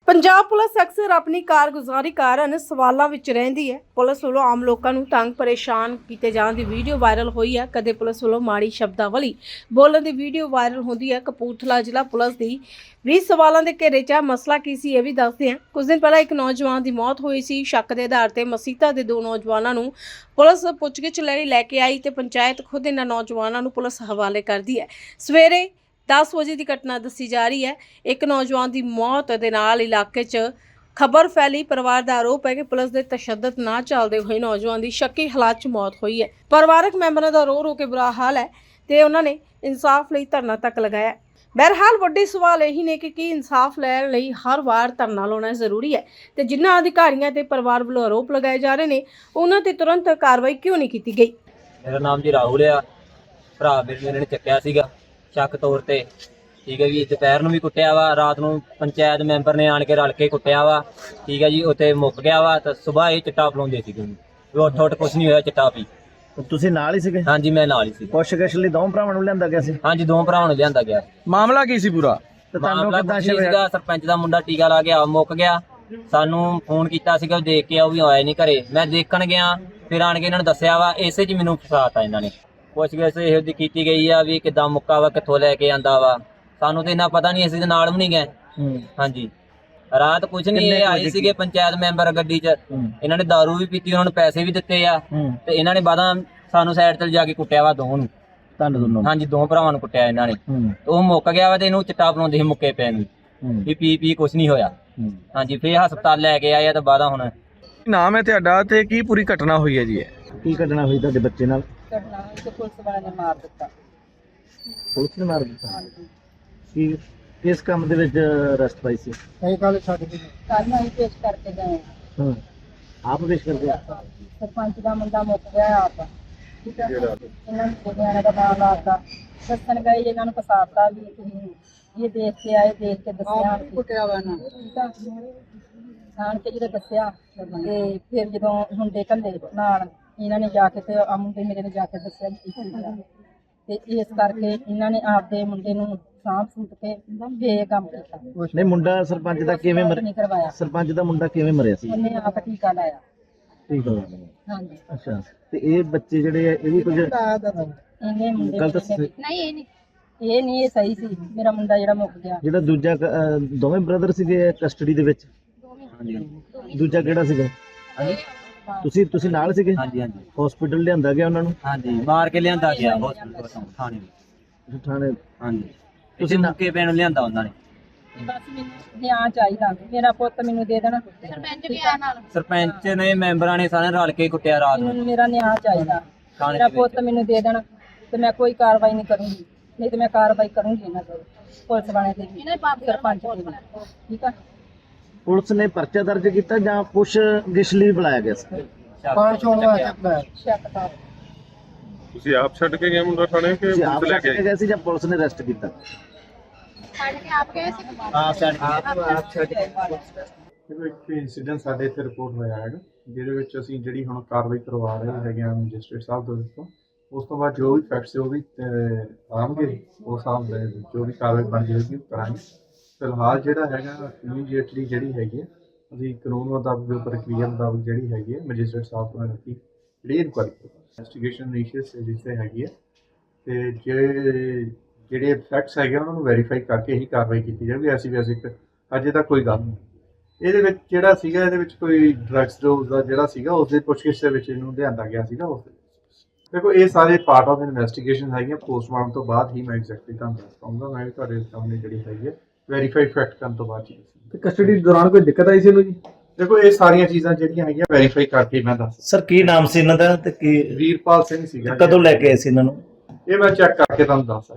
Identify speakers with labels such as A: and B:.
A: Punjab police ਅਕਸਰ ਆਪਣੀ ਕਾਰਗੁਜ਼ਾਰੀ ਕਾਰਨ ਸਵਾਲਾਂ ਵਿੱਚ ਰਹਿੰਦੀ ਹੈ। ਪੁਲਿਸ ਵੱਲੋਂ ਆਮ ਲੋਕਾਂ ਨੂੰ ਤੰਗ ਪਰੇਸ਼ਾਨ ਕੀਤੇ ਜਾਣ ਦੀ ਵੀਡੀਓ ਵਾਇਰਲ ਹੋਈ ਹੈ। ਕਦੇ ਪੁਲਿਸ ਵੱਲੋਂ ਮਾੜੀ ਸ਼ਬਦਾਵਲੀ ਬੋਲਣ ਦੀ ਵੀਡੀਓ ਵਾਇਰਲ ਹੁੰਦੀ ਹੈ। ਕਪੂਰਥਲਾ ਜ਼ਿਲ੍ਹਾ ਪੁਲਿਸ ਦੀ 20 ਸਵਾਲਾਂ ਦੇ ਘੇਰੇ 'ਚ ਮਸਲਾ ਕੀ ਸੀ ਇਹ ਵੀ ਦੱਸਦੇ ਹਾਂ। ਕੁਝ ਦਿਨ ਪਹਿਲਾਂ ਇੱਕ ਨੌਜਵਾਨ ਦੀ ਮੌਤ ਹੋਈ ਸੀ। ਸ਼ੱਕ ਦੇ ਆਧਾਰ ਤੇ ਮਸੀਤਾ ਦੇ ਦੋ ਨੌਜਵਾਨਾਂ ਨੂੰ ਪੁਲਿਸ ਪੁੱਛਗਿੱਛ ਲਈ ਲੈ ਕੇ ਆਈ ਤੇ ਪੰਚਾਇਤ ਖੁਦ ਇਹਨਾਂ ਨੌਜਵਾਨਾਂ ਨੂੰ ਪੁਲਿਸ ਹਵਾਲੇ ਕਰਦੀ ਹੈ। ਸਵੇਰੇ 10 ਵਜੇ ਦੀ ਘਟਨਾ ਦੱਸੀ ਜਾ ਰਹੀ ਹੈ। ਇੱਕ ਨੌਜਵਾਨ ਦੀ ਮੌਤ ਦੇ ਨਾਲ ਇਲਾਕੇ 'ਚ ਖਬਰ ਫੈਲੀ। ਪਰਿਵਾਰ ਦਾ ਆਰੋਪ ਹੈ ਕਿ ਪੁਲਿਸ ਦੇ ਤਸ਼ੱਦਦ ਨਾ ਚੱਲਦੇ ਹੋਏ ਨੌਜਵਾਨ ਦੀ ਸ਼ੱਕੀ ਹਾਲਾਤ 'ਚ ਮੌਤ ਹੋਈ ਹੈ। ਪਰਿਵਾਰਕ ਮੈਂਬਰਾਂ ਦਾ ਰੋ ਕੇ ਬੁਰਾ ਹਾਲ ਹੈ ਤੇ ਉਹਨਾਂ ਨੇ ਇਨਸਾਫ ਲਈ ਧਰਨਾ ਤੱਕ ਲਗਾਇਆ। ਬਹਰਹਾਲ ਵੱਡੀ ਸਵਾਲ ਇਹੀ ਨੇ ਕਿ ਕੀ ਇਨਸਾਫ ਲੈਣ ਲਈ ਹਰ ਵਾਰ ਧਰਨਾ ਲਾਉਣਾ ਜ਼ਰੂਰੀ ਹੈ ਤੇ ਜਿਨ੍ਹਾਂ ਅਧਿਕਾਰੀਆਂ ਤੇ ਪਰਿਵਾਰ ਵੱਲੋਂ ਆਰੋਪ ਲਗਾਏ ਜਾ ਰਹੇ ਨੇ ਉਹਨਾਂ ਤੇ ਤੁਰੰਤ ਕਾਰਵਾਈ ਕਿਉਂ ਨਹੀਂ ਕੀਤੀ ਗਈ।
B: ਮੇਰਾ ਨਾਮ ਜੀ ਰਾਹੁਲ ਆ। ਭਰਾ ਮੇਰੇ ਨੇ ਚੱਕਿਆ ਸੀਗਾ ਸ਼ੱਕ ਤੌਰ ਤੇ, ਠੀਕ ਹੈ ਜੀ। ਦੁਪਹਿਰ ਨੂੰ ਵੀ ਕੁੱਟਿਆ ਵਾ, ਰਾਤ ਨੂੰ ਪੰਚਾਇਤ ਮੈਂਬਰ ਨੇ ਆਣ ਕੇ ਰਲ ਕੇ ਕੁੱਟਿਆ ਵਾ, ਠੀਕ ਹੈ ਜੀ। ਉੱਥੇ ਮੁੱਕ ਗਿਆ ਵਾ ਤਾਂ ਸਵੇਰ ਇਹ ਚਿੱਟਾ ਪਲਾਉਂਦੇ ਸੀਗੇ। ਉੱਠ ਕੁਛ ਨਹੀਂ ਹੋਇਆ, ਚਿੱਟਾ ਪੀ।
C: ਤੁਸੀਂ ਨਾਲ ਹੀ ਸੀਗੇ?
B: ਹਾਂਜੀ ਮੈਂ ਨਾਲ ਹੀ ਸੀ।
C: ਪੁੱਛਗਿੱਛ ਲਈ ਦੋਵਾਂ ਭਰਾਵਾਂ ਨੂੰ ਲਿਆਂਦਾ ਗਿਆ ਸੀ?
B: ਹਾਂਜੀ ਦੋ ਭਰਾਵਾਂ ਨੂੰ ਲਿਆਂਦਾ ਗਿਆ।
D: ਮਾਮਲਾ ਕੀ ਸੀ ਪੂਰਾ?
C: ਤੇ ਤੁਹਾਨੂੰ
B: ਮਾਮਲਾ
C: ਕਿੱਦਾਂ
B: ਕੁਛ ਨਹੀਂ ਸੀਗਾ। ਸਰਪੰਚ ਦਾ ਮੁੰਡਾ ਟੀਕਾ ਲਾ ਗਿਆ, ਮੁੱਕ ਗਿਆ। ਸਾਨੂੰ ਫੋਨ ਕੀਤਾ ਸੀਗਾ ਦੇਖ ਕੇ, ਉਹ ਵੀ ਆਇਆ ਨਹੀਂ ਘਰੇ। ਮੈਂ ਦੇਖਣ ਗਿਆ, ਫਿਰ ਆਣ ਕੇ ਇਹਨਾਂ ਨੂੰ ਦੱਸਿਆ ਵਾ। ਇਸੇ 'ਚ ਮੈਨੂੰ ਫਸਾਤਾ ਇਹਨਾਂ ਨੇ। ਪੁੱਛਗਿੱਛ ਇਹੋ ਜਿਹੀ ਕੀਤੀ ਗਈ ਆ ਵੀ ਕਿੱਦਾਂ ਮੁੱਕਾ ਵਾ, ਕਿੱਥੋਂ ਲੈ ਕੇ ਆਂਦਾ ਵਾ। ਸਾਨੂੰ ਤੇ ਇੰਨਾ ਪਤਾ ਨਹੀਂ, ਅਸੀਂ ਤੇ ਨਾਲ ਵੀ ਨਹੀਂ ਗਏ। ਹਾਂਜੀ ਰਾਤ ਕੁਝ ਨਹੀਂ, ਇਹ ਆਏ ਸੀਗੇ ਪੰਚਾਇਤ ਮੈਂਬਰ ਗੱਡੀ 'ਚ। ਇਹਨਾਂ ਨੇ ਦਾਰੂ ਵੀ ਪੀਤੀ, ਉਹਨਾਂ ਨੂੰ ਪੈਸੇ ਵੀ ਦਿੱਤੇ ਆ ਤੇ ਇਹਨਾਂ ਨੇ ਬਾਅਦਾਂ ਸਾਨੂੰ ਸਾਈਡ ਤੇ ਜਾ ਕੇ ਕੁੱਟਿਆ ਵਾ ਦੋਵਾਂ ਨੂੰ।
C: ਤੁਹਾਨੂੰ ਦੋਨੋਂ?
B: ਹਾਂਜੀ ਦੋ ਭਰਾਵਾਂ ਨੂੰ ਕੁੱਟਿਆ ਇਹਨਾਂ ਨੇ। ਉਹ ਮੁੱਕ ਗਿਆ ਵਾ ਤੇ ਇਹਨੂੰ ਚਿੱਟਾ ਬਣਾਉਂਦੇ ਸੀ ਮੁੱਕੇ ਪੈ ਨੂੰ ਵੀ ਪੀ ਕੁਝ ਨਹੀਂ ਹੋਇਆ। ਹਾਂਜੀ ਫੇਰ ਹਸਪਤਾਲ ਲੈ ਕੇ ਆਏ ਆ ਤੇ ਬਾਅਦਾਂ ਹੁਣ।
D: ਕੀ ਨਾਮ ਹੈ ਤੁਹਾਡਾ ਤੇ ਕੀ ਪੂਰੀ ਘਟਨਾ ਹੋਈ ਹੈ ਜੀ?
C: ਕੀ ਘਟਨਾ ਹੋਈ ਤੁਹਾਡੇ ਬੱਚੇ ਨਾਲ?
E: ਘਟਨਾ ਹੋਈ ਤੇ ਪੁਲਿਸ ਵਾਲਿਆਂ ਨੇ ਮਾਰ ਦਿੱਤਾ।
C: ਪੁਲਿਸ ਨੇ ਮਾਰ ਦਿੱਤਾ? ਕੀ ਕਿਸ ਕੰਮ ਦੇ ਵਿੱਚ ਅਰੈਸਟ ਪਾਈ ਸੀ?
E: ਕੱਲ ਅਸੀਂ ਪੇਸ਼ ਕਰਕੇ ਗਏ
C: ਹਾਂ ਆਪ ਪੇਸ਼ ਕਰਦੇ ਆ?
E: ਸਰਪੰਚ ਦਾ ਮੁੰਡਾ ਮੁੱਕ ਗਿਆ ਆਪ। ਠੀਕ ਹੈ, ਇਹਨਾਂ ਨੂੰ ਨਿਆਣੇ ਦਾ ਨਾਮ ਲਾਤਾ, ਦੱਸਣ ਗਏ ਇਹਨਾਂ ਨੂੰ ਫਸਾਤਾ ਵੀ ਤੁਸੀਂ ਇਹ ਦੇਖ ਕੇ ਆਏ, ਦੇਖ ਕੇ ਦੱਸਿਆ ਕੁੱਟਿਆ ਵਾ ਨਾ। ਠੀਕ ਆ, ਆਣ ਕੇ ਜਦੋਂ ਦੱਸਿਆ ਤੇ ਫਿਰ ਜਦੋਂ ਮੁੰਡੇ ਘੱਲੇ ਨਾਲ ਇਹਨਾਂ ਨੇ ਜਾ ਕੇ ਤੇ ਆ ਮੁੰਡੇ ਮੇਰੇ ਨੇ ਜਾ ਕੇ ਦੱਸਿਆ ਵੀ ਕੀ ਹੋਇਆ। ਤੇ ਇਸ ਕਰਕੇ ਇਹਨਾਂ ਨੇ ਆਪਦੇ ਮੁੰਡੇ ਨੂੰ ਸਾਂਭ ਸੁੱਟ ਕੇ ਫੇਰ ਕੰਮ ਕੀਤਾ।
C: ਨਹੀਂ ਮੁੰਡਾ ਸਰਪੰਚ ਦਾ ਕਿਵੇਂ
E: ਨਹੀਂ
C: ਮਰਿਆ?
E: ਕਰਵਾਇਆ,
C: ਸਰਪੰਚ ਦਾ ਮੁੰਡਾ ਕਿਵੇਂ ਮਰਿਆ ਸੀ?
E: ਉਹਨੇ ਆਪ ਟੀਕਾ ਲਾਇਆ।
C: ਠੀਕ ਹੈ।
E: ਹਾਂਜੀ
C: ਅੱਛਾ ਤੇ ਇਹ ਬੱਚੇ ਜਿਹੜੇ ਆ ਇਹ ਵੀ ਕੁਝ
E: ਇਹਨੇ ਮੁੰਡੇ
C: ਗਲਤ
E: ਨਹੀਂ, ਇਹ ਨਹੀਂ ਇਹ ਸਹੀ ਸੀ। ਮੇਰਾ ਮੁੰਡਾ ਜਿਹੜਾ ਮੁੱਕ ਗਿਆ,
C: ਜਿਹੜਾ ਦੂਜਾ ਦੋਵੇਂ ਬ੍ਰਦਰ ਸੀਗੇ ਕਸਟਡੀ ਦੇ ਵਿੱਚ? ਦੂਜਾ ਕਿਹੜਾ ਸੀਗਾ? ਤੁਸੀਂ ਨਾਲ ਸੀਗੇ?
B: ਹਾਂਜੀ ਹਾਂਜੀ
C: ਹਸਪੀਟਲ ਲਿਆਂਦਾ ਗਿਆ ਉਹਨਾਂ ਨੂੰ?
B: ਹਾਂਜੀ ਮਾਰ ਕੇ ਲਿਆਂਦਾ ਗਿਆ ਹਸਪਤਾਲ ਤੋਂ ਥਾਣੇ ਵਿੱਚ।
C: ਥਾਣੇ?
B: ਹਾਂਜੀ ਤੁਸੀਂ ਮੁੱਕੇ ਪੈਣ ਲਿਆਂਦਾ ਉਹਨਾਂ ਨੇ।
E: ਬਸ ਮੈਨੂੰ ਨਿਆਂ ਚਾਹੀਦਾ, ਮੇਰਾ ਪੁੱਤ ਮੈਨੂੰ ਦੇ ਦੇਣਾ। ਸਰਪੰਚ ਵੀ ਆ ਨਾਲ,
B: ਸਰਪੰਚ ਨੇ ਮੈਂਬਰਾਂ ਨੇ ਸਾਰੇ ਰਲ ਕੇ ਕੁੱਟਿਆ ਰਾਤ ਨੂੰ।
E: ਮੈਨੂੰ ਮੇਰਾ ਨਿਆਂ ਚਾਹੀਦਾ, ਮੇਰਾ ਪੁੱਤ ਮੈਨੂੰ ਦੇ ਦੇਣਾ ਤੇ ਮੈਂ ਕੋਈ ਕਾਰਵਾਈ ਨਹੀਂ ਕਰੂੰਗੀ। ਨਹੀਂ ਤੇ ਮੈਂ ਕਾਰਵਾਈ ਕਰੂੰਗੀ ਇਹਨਾਂ ਤੇ, ਪੁਲਿਸ ਵਾਲਿਆਂ ਤੇ ਵੀ, ਸਰਪੰਚ ਤੇ ਵੀ। ਠੀਕ ਆ,
C: ਪੁਲਿਸ ਨੇ ਪਰਚਾ ਦਰਜ ਕੀਤਾ ਜਾਂ ਪੁੱਛਗਿੱਛ ਲਈ ਬੁਲਾਇਆ ਗਿਆ ਸੀ?
E: ਸ਼ੱਕ ਤਾਂ
F: ਤੁਸੀਂ ਆਪ ਛੱਡ ਕੇ ਗਏ ਮੁੰਡਾ ਥਾਣੇ ਕਿ
C: ਤੁਸੀਂ ਆਪ
F: ਪੁਲਿਸ ਲੈ
C: ਲੈ
F: ਕੇ
C: ਕੇ ਗਏ ਸੀ ਜਾਂ ਪੁਲਿਸ ਨੇ ਅਰੈਸਟ ਕੀਤਾ?
F: ਦੇਖੋ ਇੱਕ ਇਨਸੀਡੈਂਟ ਸਾਡੇ ਇੱਥੇ ਰਿਪੋਰਟ ਹੋਇਆ ਹੈਗਾ, ਜਿਹਦੇ ਵਿੱਚ ਅਸੀਂ ਜਿਹੜੀ ਹੁਣ ਕਾਰਵਾਈ ਕਰਵਾ ਰਹੇ ਹੈਗੇ ਆ ਮੈਜਿਸਟ੍ਰੇਟ ਸਾਹਿਬ ਦੇ ਵਿੱਚੋਂ। ਉਸ ਤੋਂ ਬਾਅਦ ਜੋ ਵੀ ਫੈਕਟਸ ਉਹ ਵੀ ਆਉਣਗੇ, ਉਸ ਹਿਸਾਬ ਦੇ ਜੋ ਵੀ ਕਾਰਵਾਈ ਬਣ ਜਾਏਗੀ ਉਹ ਕਰਾਂਗੇ। ਫਿਲਹਾਲ ਜਿਹੜਾ ਹੈਗਾ ਇਮੀਡੀਏਟਲੀ ਜਿਹੜੀ ਹੈਗੀ ਹੈ ਅਸੀਂ ਕਾਨੂੰਨ ਮੁਤਾਬਕ ਜੋ ਪ੍ਰਕਿਰਿਆ ਮੁਤਾਬਕ ਜਿਹੜੀ ਹੈਗੀ ਹੈ ਮੈਜਿਸਟ੍ਰੇਟ ਸਾਹਿਬ ਤੋਂ ਰੱਖੀ ਜਿਹੜੀ ਇਨਕੁਆਇਰੀ ਇਨਵੈਸਟੀਗੇਸ਼ਨ ਇਨੀਸ਼ੀਅਸ ਜਿੱਥੇ ਹੈਗੀ ਹੈ ਤੇ ਜਿਹੜੇ ਫੈਕਟਸ ਹੈਗੇ ਉਹਨਾਂ ਨੂੰ ਵੈਰੀਫਾਈ ਕਰਕੇ ਹੀ ਕਾਰਵਾਈ ਕੀਤੀ ਜਾਵੇਗੀ। ਐਸੀ ਵੈਸੇ ਅਜੇ ਤੱਕ ਕੋਈ ਗੱਲ ਨਹੀਂ ਇਹਦੇ ਵਿੱਚ ਜਿਹੜਾ ਸੀਗਾ, ਇਹਦੇ ਵਿੱਚ ਕੋਈ ਡਰੱਗਸ ਡੋਜ਼ ਦਾ ਜਿਹੜਾ ਸੀਗਾ ਉਸ ਦੇ ਪੁੱਛਗਿੱਛ ਦੇ ਵਿੱਚ ਇਹਨੂੰ ਲਿਆਂਦਾ ਗਿਆ ਸੀਗਾ। ਉਸ ਦੇ ਦੇਖੋ ਇਹ ਸਾਰੇ ਪਾਰਟ ਆਫ ਇਨਵੈਸਟੀਗੇਸ਼ਨ ਹੈਗੀਆਂ। ਪੋਸਟਮਾਰਟਮ ਤੋਂ ਬਾਅਦ ਹੀ ਮੈਂ ਐਗਜ਼ੈਕਟਲੀ ਤੁਹਾਨੂੰ ਦੱਸ ਪਾਉਂਗਾ। ਮੈਂ ਵੀ ਤੁਹਾਡੇ ਸਾਹਮਣੇ ਜਿਹੜੀ ਹੈਗੀ ਹੈ ਵੈਰੀਫਾਈ ਫੈਕਟ ਕਰਨ ਤੋਂ ਬਾਅਦ ਹੀ।
D: ਤੇ ਕਸਟਡੀ ਦੌਰਾਨ ਕੋਈ ਦਿੱਕਤ ਆਈ ਸੀ ਇਹਨੂੰ ਜੀ?
F: ਦੇਖੋ ਇਹ ਸਾਰੀਆਂ ਚੀਜ਼ਾਂ ਜਿਹੜੀਆਂ ਹੈਗੀਆਂ ਵੈਰੀਫਾਈ ਕਰਕੇ ਮੈਂ ਦੱਸ।
C: ਸਰ ਕੀ ਨਾਮ ਸੀ ਇਹਨਾਂ ਦਾ ਤੇ ਕੀ
F: ਵੀਰਪਾਲ ਸਿੰਘ ਸੀਗਾ।
C: ਕਦੋਂ ਲੈ ਕੇ ਆਏ ਸੀ ਇਹਨਾਂ ਨੂੰ?
F: ਇਹ ਮੈਂ ਚੈੱਕ ਕਰਕੇ ਤੁਹਾਨੂੰ ਦੱਸ